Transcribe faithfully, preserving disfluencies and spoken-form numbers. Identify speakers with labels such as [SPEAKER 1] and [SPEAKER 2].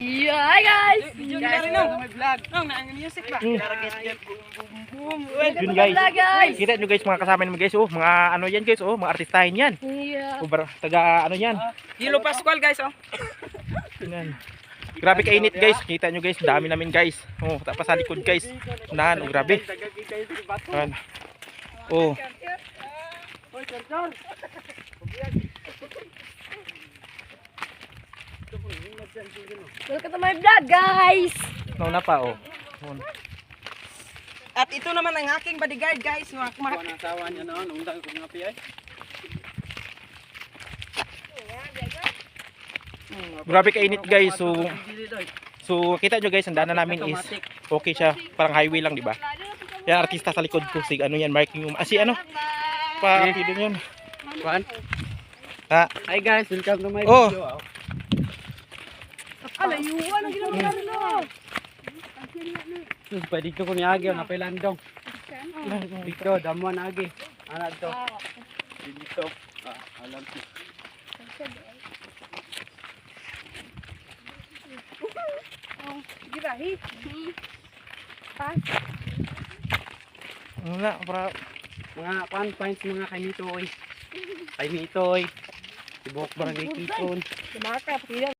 [SPEAKER 1] Yeah, hi guys!
[SPEAKER 2] Video na rin no. May vlog. Nong naang music ba?
[SPEAKER 3] Mm.
[SPEAKER 2] Boom.
[SPEAKER 3] Yun guys.
[SPEAKER 1] Vlog, guys.
[SPEAKER 3] Kita nyo guys mga kasama naman guys oh, mga ano yan guys oh, mga artistahin yan.
[SPEAKER 1] Yeah.
[SPEAKER 3] O, bar- taga ano yan.
[SPEAKER 2] Hilo Pascual guys oh.
[SPEAKER 3] Yan. Grabe kainit guys. Kita nyo guys, dami namin guys. Oh, tapos sa likod guys. Unahan, oh grabe. Yan. Oh.
[SPEAKER 1] Welcome to my vlog guys!
[SPEAKER 3] Nauna pa oh. Oh.
[SPEAKER 2] At ito naman ang aking bodyguard guys. Mga kumak.
[SPEAKER 4] Ang asawa niya noon, undang ko nga piyay.
[SPEAKER 3] Grabe kainit guys. So so kita nyo guys, ang daanan namin is okay siya, parang highway lang, di ba? Yan artista sa likod ko, si ano yan, marking yung, ah, si ano? Pa,
[SPEAKER 4] Eh.
[SPEAKER 3] video yun.
[SPEAKER 4] Kuan.
[SPEAKER 3] Ha?
[SPEAKER 4] Hi guys, welcome to my
[SPEAKER 3] Oh.
[SPEAKER 4] video.
[SPEAKER 1] Alayuan ang ginagawa nila!
[SPEAKER 4] Sus, pa dito ko ni Agi ang apelandong. Dito, damuan Agi. Ana to. Dito. Ah, alam ko.
[SPEAKER 1] Girahi! Pas!
[SPEAKER 3] Wala, para
[SPEAKER 4] Mga kuan points mga kainitoy. Kainitoy. Tibok barangay Kipon.
[SPEAKER 1] Lumakap!